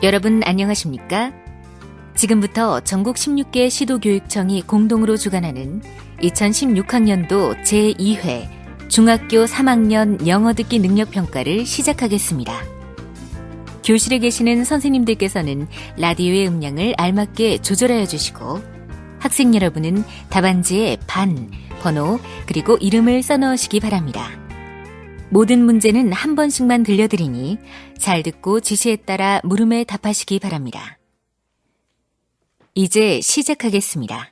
여러분 안녕하십니까? 지금부터 전국 16개 시도교육청이 공동으로 주관하는 2016학년도 제2회 중학교 3학년 영어 듣기 능력평가를 시작하겠습니다. 교실에 계시는 선생님들께서는 라디오의 음량을 알맞게 조절하여 주시고 학생 여러분은 답안지에 반, 번호, 그리고 이름을 써넣으시기 바랍니다. 모든 문제는 한 번씩만 들려드리니 잘 듣고 지시에 따라 물음에 답하시기 바랍니다. 이제 시작하겠습니다.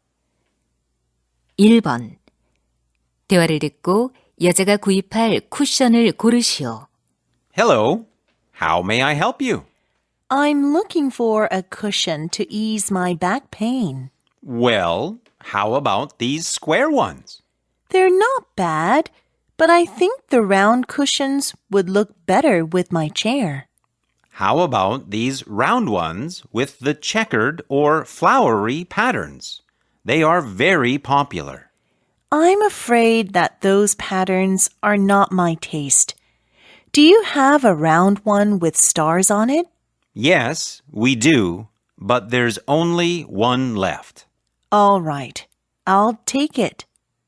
1번. 대화를 듣고 여자가 구입할 쿠션을 고르시오. Hello. How may I help you? I'm looking for a cushion to ease my back pain. Well, how about these square ones? They're not bad, but I think the round cushions would look better with my chair. How about these round ones with the checkered or flowery patterns? They are very popular. I'm afraid that those patterns are not my taste. Do you have a round one with stars on it? Yes, we do, but there's only one left. All right, I'll take it.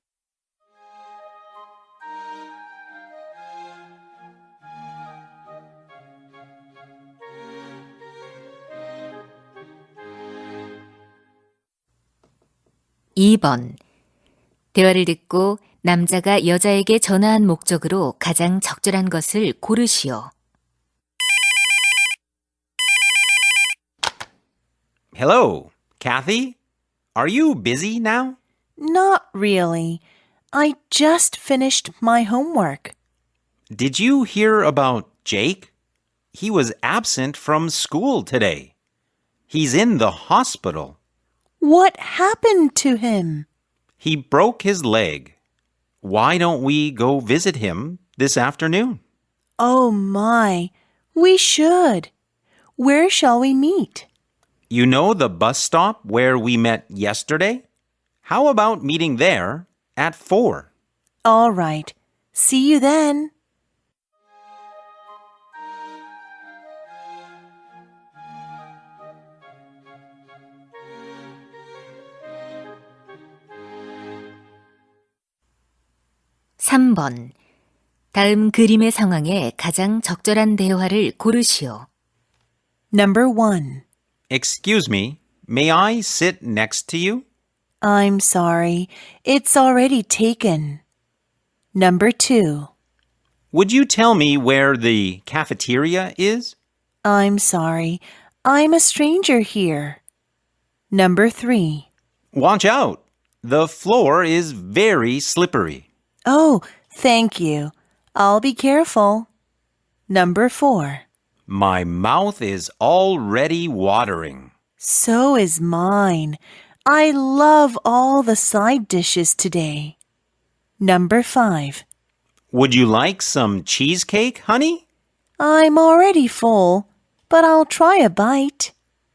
(2번) 대화를 듣고 남자가 여자에게 전화한 목적으로 가장 적절한 것을 고르시오. Hello, Kathy? Are you busy now? Not really. I just finished my homework. Did you hear about Jake? He was absent from school today. He's in the hospital. What happened to him? He broke his leg. Why don't we go visit him this afternoon? Oh my, we should. Where shall we meet? You know the bus stop where we met yesterday? How about meeting there at 4? All right. See you then. (3번) 다음 그림의 상황에 가장 적절한 대화를 고르시오. Number 1. Excuse me, may I sit next to you? I'm sorry. It's already taken. Number 2. Would you tell me where the cafeteria is? I'm sorry. I'm a stranger here. Number 3. Watch out! The floor is very slippery. Oh, thank you. I'll be careful. Number 4. My mouth is already watering. So is mine. I love all the side dishes today. Number 5. Would you like some cheesecake, honey? I'm already full, but I'll try a bite.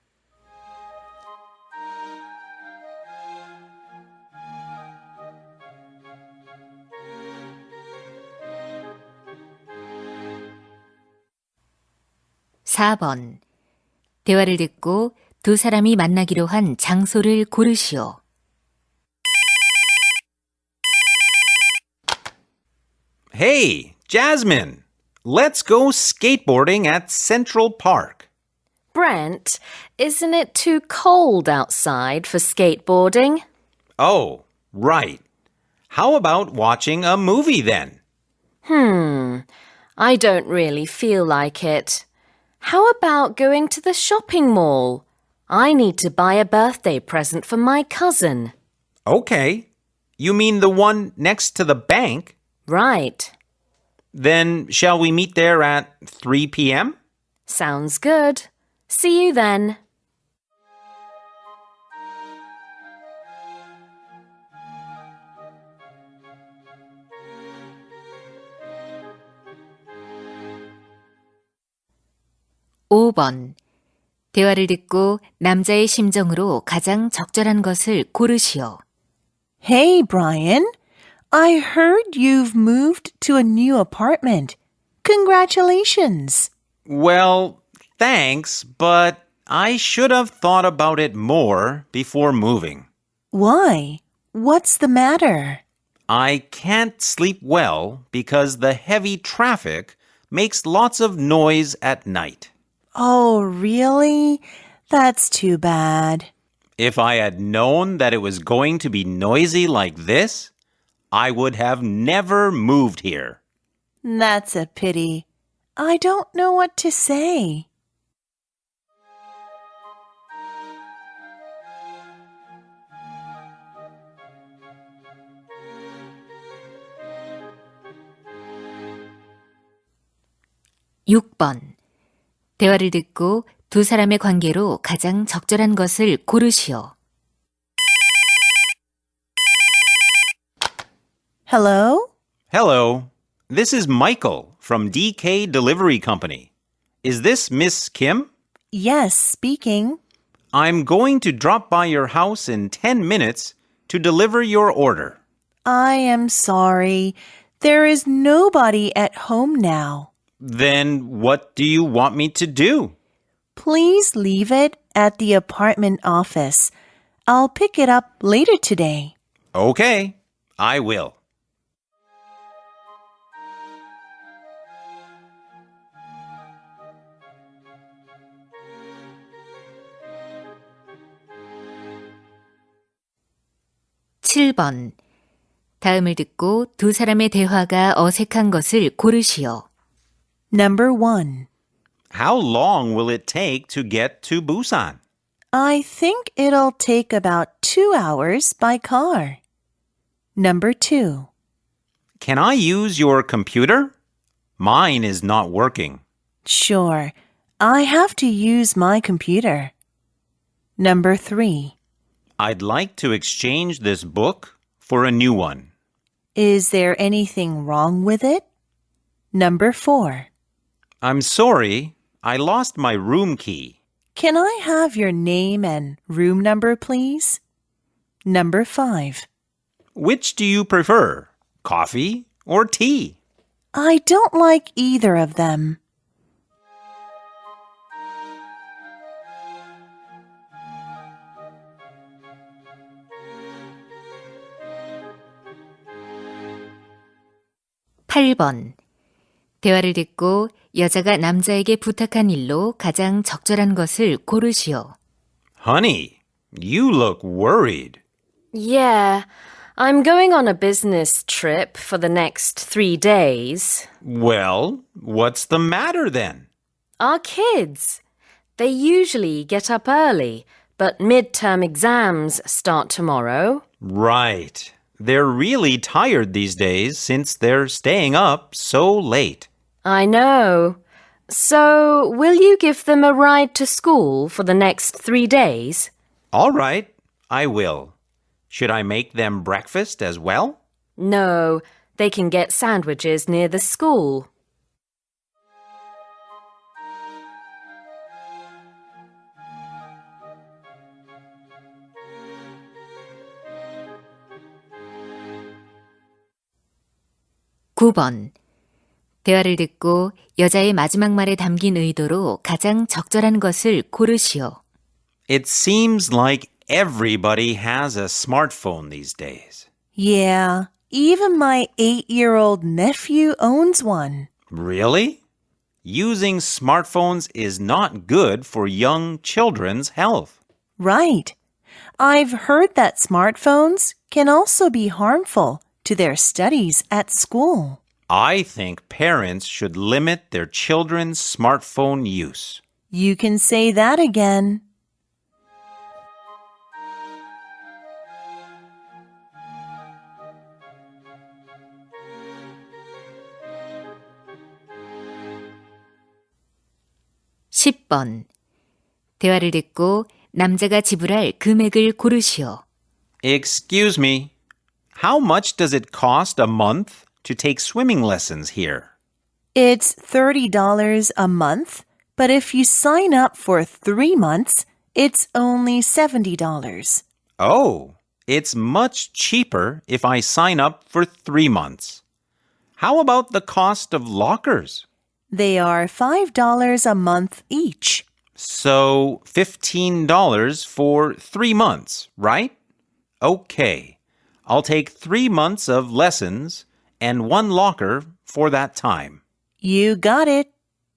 (4번) 대화를 듣고 두 사람이 만나기로 한 장소를 고르시오. Hey, Jasmine! Let's go skateboarding at Central Park. Brent, isn't it too cold outside for skateboarding? Oh, right. How about watching a movie then? I don't really feel like it. How about going to the shopping mall? I need to buy a birthday present for my cousin. Okay. You mean the one next to the bank? Right. Then shall we meet there at 3 p.m.? Sounds good. See you then. (5번) 대화를 듣고 남자의 심정으로 가장 적절한 것을 고르시오. Hey, Brian. I heard you've moved to a new apartment. Congratulations. Well, Thanks, but I should have thought about it more before moving. Why? What's the matter? I can't sleep well because the heavy traffic makes lots of noise at night. Oh, really? That's too bad. If I had known that it was going to be noisy like this, I would have never moved here. That's a pity. I don't know what to say. 육 번 대화를 듣고 두 사람의 관계로 가장 적절한 것을 고르시오. Hello? Hello, this is Michael from DK Delivery Company. Is this Miss Kim? Yes, speaking. I'm going to drop by your house in 10 minutes to deliver your order. I am sorry. There is nobody at home now. Then what do you want me to do? Please leave it at the apartment office. I'll pick it up later today. Okay, I will. 칠 번 다음을 듣고 두 사람의 대화가 어색한 것을 고르시오. Number 1. How long will it take to get to Busan? I think it'll take about 2 hours by car. Number 2. Can I use your computer? Mine is not working. Sure. I have to use my computer. Number 3. I'd like to exchange this book for a new one. Is there anything wrong with it? Number 4. I'm sorry, I lost my room key. Can I have your name and room number, please? Number 5. Which do you prefer, coffee or tea? I don't like either of them. 팔 번 대화를 듣고 여자가 남자에게 부탁한 일로 가장 적절한 것을 고르시오. Honey, you look worried. Yeah, I'm going on a business trip for the next 3 days. Well, what's the matter then? Our kids, they usually get up early, but midterm exams start tomorrow. Right. They're really tired these days since they're staying up so late. I know. So, will you give them a ride to school for the next 3 days? All right, I will. Should I make them breakfast as well? No, they can get sandwiches near the school. 구 번 대화를 듣고 여자의 마지막 말에 담긴 의도로 가장 적절한 것을 고르시오. It seems like everybody has a smartphone these days. Yeah, even my 8-year-old nephew owns one. Really? Using smartphones is not good for young children's health. Right. I've heard that smartphones can also be harmful to their studies at school. I think parents should limit their children's smartphone use. You can say that again. 십 번 대화를 듣고 남자가 지불할 금액을 고르시오. Excuse me, how much does it cost a month to take swimming lessons here? It's $30 a month, but if you sign up for 3 months, it's only $70. Oh, it's much cheaper if I sign up for 3 months. How about the cost of lockers? They are $5 a month each. So $15 for 3 months, right? Okay. I'll take 3 months of lessons and 1 locker for that time. You got it.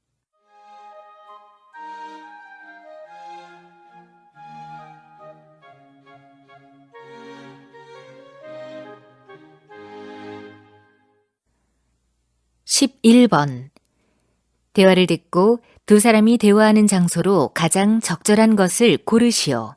(11번) 대화를 듣고 두 사람이 대화하는 장소로 가장 적절한 것을 고르시오.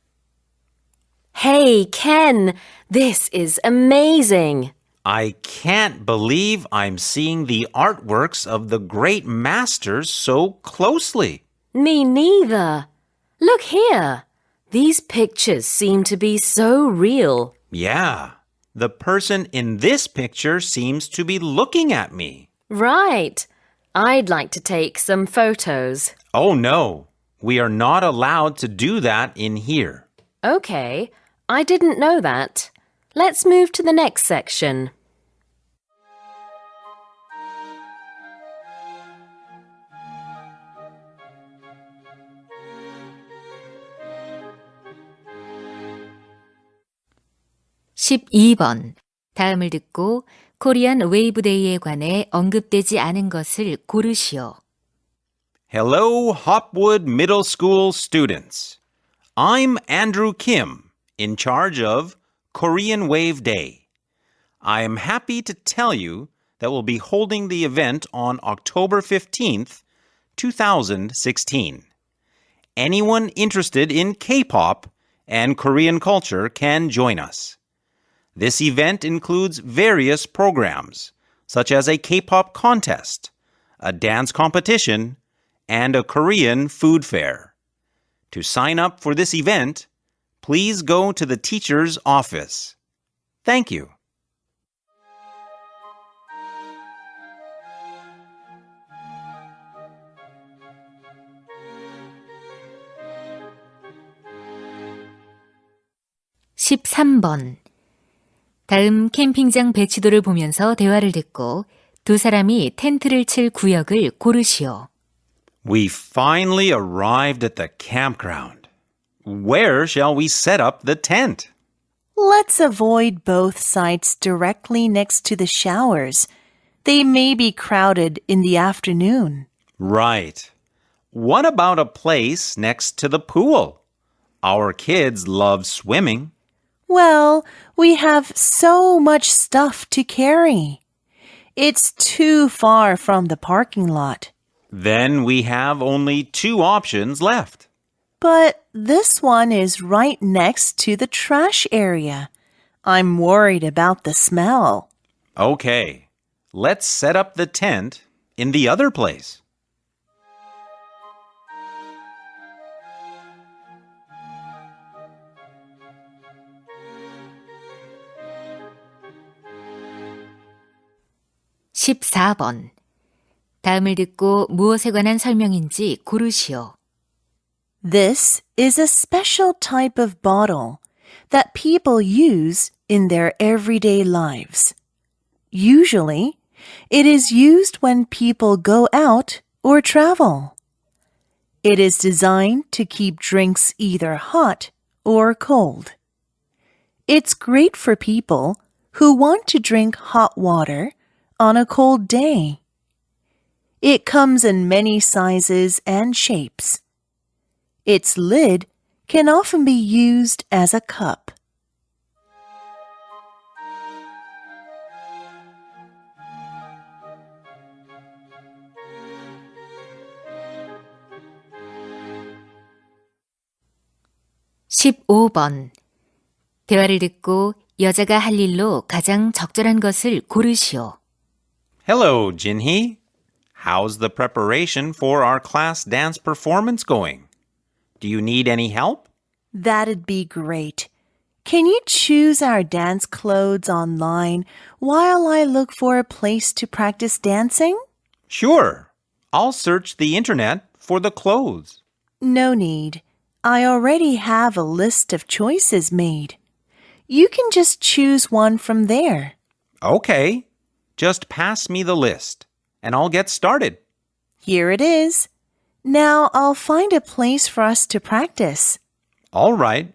Hey, Ken, this is amazing. I can't believe I'm seeing the artworks of the great masters so closely. Me neither. Look here. These pictures seem to be so real. Yeah, the person in this picture seems to be looking at me. Right. I'd like to take some photos. Oh no, we are not allowed to do that in here. Okay, I didn't know that. Let's move to the next section. (12번) 다음을 듣고 코리안 웨이브 데이에 관해 언급되지 않은 것을 고르시오. Hello, Hopwood Middle School students. I'm Andrew Kim, in charge of Korean Wave Day. I am happy to tell you that we'll be holding the event on October 15th, 2016. Anyone interested in K-pop and Korean culture can join us. This event includes various programs, such as a K-pop contest, a dance competition, and a Korean food fair. To sign up for this event, please go to the teacher's office. Thank you. (13번) 다음 캠핑장 배치도를 보면서 대화를 듣고 두 사람이 텐트를 칠 구역을 고르시오. We finally arrived at the campground. Where shall we set up the tent? Let's avoid both sites directly next to the showers. They may be crowded in the afternoon. Right. What about a place next to the pool? Our kids love swimming. Well, we have so much stuff to carry. It's too far from the parking lot. Then we have only 2 options left. But this one is right next to the trash area. I'm worried about the smell. Okay, let's set up the tent in the other place. (14번) 다음을 듣고 무엇에 관한 설명인지 고르시오. This is a special type of bottle that people use in their everyday lives. Usually, it is used when people go out or travel. It is designed to keep drinks either hot or cold. It's great for people who want to drink hot water on a cold day. It comes in many sizes and shapes. Its lid can often be used as a cup. (15번) 대화를 듣고 여자가 할 일로 가장 적절한 것을 고르시오. Hello, Jinhee. How's the preparation for our class dance performance going? Do you need any help? That'd be great. Can you choose our dance clothes online while I look for a place to practice dancing? Sure. I'll search the internet for the clothes. No need. I already have a list of choices made. You can just choose one from there. Okay. Just pass me the list, and I'll get started. Here it is. Now I'll find a place for us to practice. All right.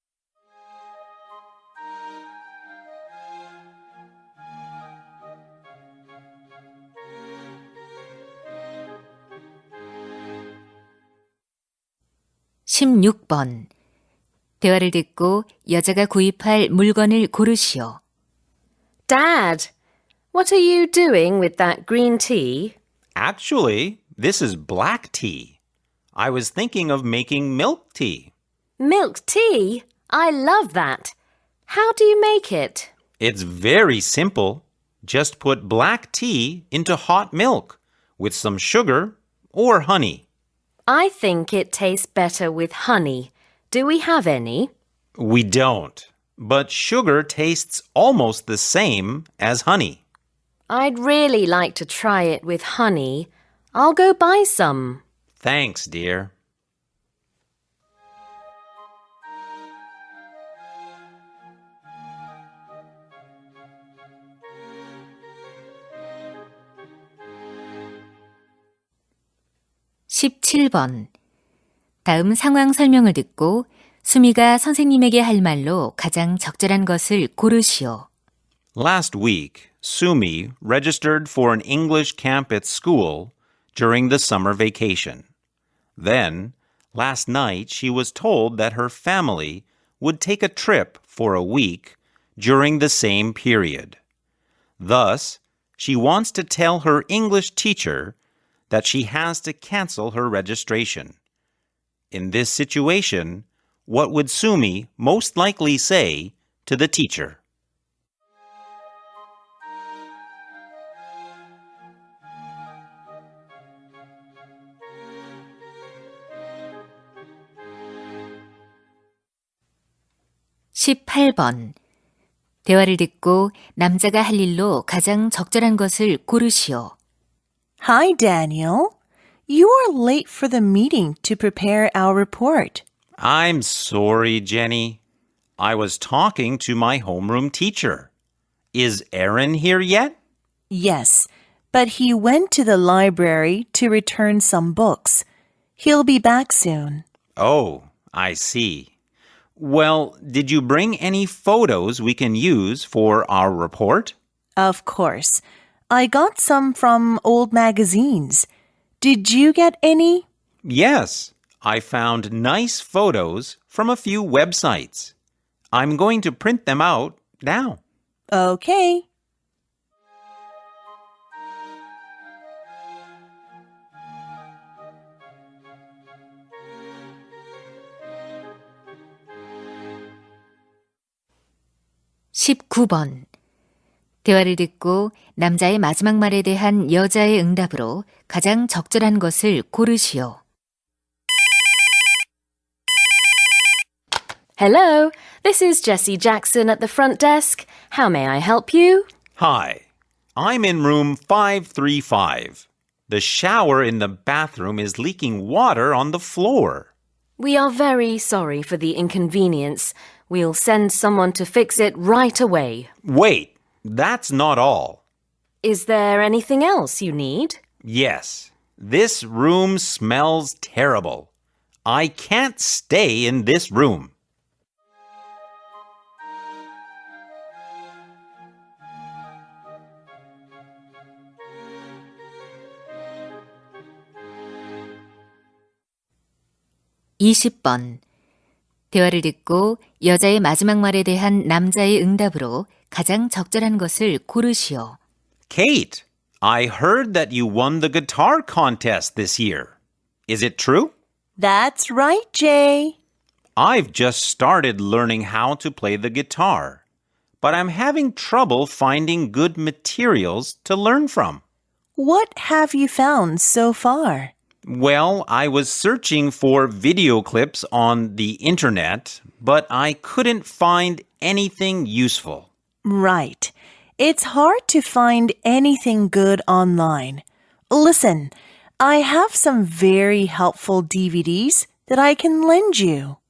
16번. 대화를 듣고 여자가 구입할 물건을 고르시오. Dad, what are you doing with that green tea? Actually, this is black tea. I was thinking of making milk tea. Milk tea? I love that. How do you make it? It's very simple. Just put black tea into hot milk with some sugar or honey. I think it tastes better with honey. Do we have any? We don't, but sugar tastes almost the same as honey. I'd really like to try it with honey. I'll go buy some. Thanks, dear. (17번) 다음 상황 설명을 듣고 수미가 선생님에게 할 말로 가장 적절한 것을 고르시오. Last week, Sumi registered for an English camp at school during the summer vacation. Then, last night, she was told that her family would take a trip for a week during the same period. Thus, she wants to tell her English teacher that she has to cancel her registration. In this situation, what would Sumi most likely say to the teacher? (18번) 대화를 듣고 남자가 할 일로 가장 적절한 것을 고르시오. Hi, Daniel. You are late for the meeting to prepare our report. I'm sorry, Jenny. I was talking to my homeroom teacher. Is Aaron here yet? Yes, but he went to the library to return some books. He'll be back soon. Oh, I see. Well, did you bring any photos we can use for our report? Of course. I got some from old magazines. Did you get any? Yes, I found nice photos from a few websites. I'm going to print them out now. Okay. (19번) 대화를 듣고 남자의 마지막 말에 대한 여자의 응답으로 가장 적절한 것을 고르시오. Hello, this is Jessie Jackson at the front desk. How may I help you? Hi, I'm in room 535. The shower in the bathroom is leaking water on the floor. We are very sorry for the inconvenience. We'll send someone to fix it right away. Wait, that's not all. Is there anything else you need? Yes, this room smells terrible. I can't stay in this room. (20번) 대화를 듣고 여자의 마지막 말에 대한 남자의 응답으로 가장 적절한 것을 고르시오. Kate, I heard that you won the guitar contest this year. Is it true? That's right, Jay. I've just started learning how to play the guitar, but I'm having trouble finding good materials to learn from. What have you found so far? Well, I was searching for video clips on the internet, but I couldn't find anything useful. Right. It's hard to find anything good online. Listen, I have some very helpful DVDs that I can lend you.